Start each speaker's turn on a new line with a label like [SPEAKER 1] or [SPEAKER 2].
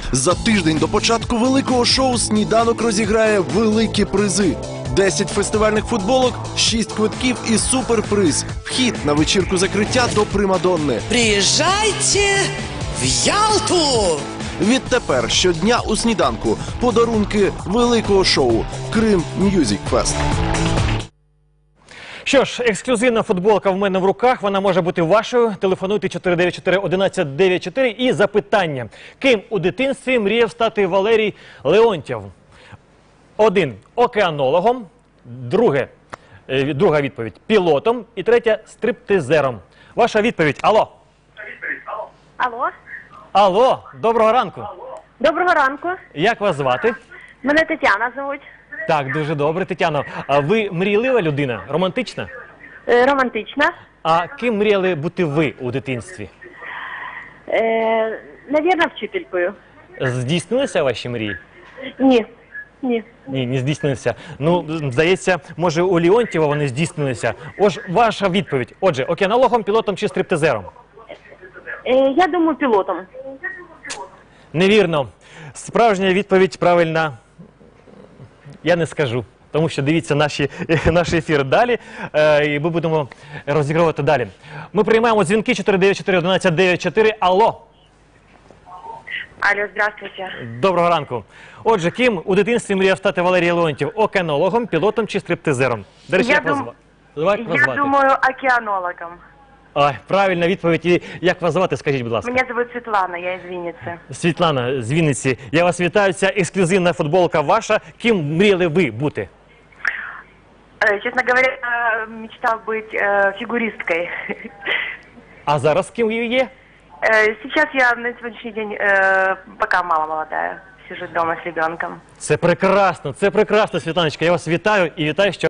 [SPEAKER 1] За тиждень до початку великого шоу «Сніданок» розіграє великі призи. 10 фестивальних футболок, 6 квитків і суперприз. Вхід на вечірку закриття до Примадонни.
[SPEAKER 2] Приїжджайте в Ялту!
[SPEAKER 1] Відтепер щодня у «Сніданку» подарунки великого шоу «Крим М'юзік Фест».
[SPEAKER 3] Що ж, ексклюзивна футболка в мене в руках, вона може бути вашою. Телефонуйте 494-1194 і запитання. Ким у дитинстві мріяв стати Валерій Леонтьєв? 1. Океанологом. Друга відповідь – пілотом. І третя – стриптизером. Ваша відповідь – алло.
[SPEAKER 4] Алло.
[SPEAKER 3] Алло, доброго ранку.
[SPEAKER 4] Доброго ранку.
[SPEAKER 3] Як вас звати?
[SPEAKER 4] Мене Тетяна звуть.
[SPEAKER 3] Так, дуже добре, Тетяно. А ви мрійлива людина? Романтична?
[SPEAKER 4] Романтична.
[SPEAKER 3] А ким мріяли бути ви у дитинстві?
[SPEAKER 4] Навірно, вчителькою.
[SPEAKER 3] Здійснилися ваші мрії?
[SPEAKER 4] Ні. Ні.
[SPEAKER 3] Ні, не здійснилися. Ну, здається, може у Леонтьєва вони здійснилися. Ось ваша відповідь. Отже, океанологом, пілотом чи стриптизером?
[SPEAKER 4] Я думаю, пілотом.
[SPEAKER 3] Невірно. Справжня відповідь правильна я не скажу. Тому що дивіться наш ефір далі, і ми будемо розігрувати далі. Ми приймаємо дзвінки 494-1194. Алло.
[SPEAKER 4] Алло, здравствуйте.
[SPEAKER 3] Доброго ранку. Отже, ким у дитинстві мріяв стати Валерій Леонтьєв? Океанологом, пілотом чи стриптизером? До речі, як вас звати?
[SPEAKER 4] Я думаю, океанологом.
[SPEAKER 3] Ой, правильна відповідь. І як вас звати, скажіть, будь ласка.
[SPEAKER 4] Мене звуть Світлана, я із Вінниці.
[SPEAKER 3] Світлана з Вінниці. Я вас вітаю. Ця ексклюзивна футболка ваша. Ким мріяли ви бути?
[SPEAKER 4] Честно говоря, мечтал быть фигуристкой.
[SPEAKER 3] А зараз ким ви є?
[SPEAKER 4] Сейчас я на сегодняшний день пока мама молодая. Сижу дома с ребенком.
[SPEAKER 3] Це прекрасно, Світланочка. Я вас вітаю і вітаю, що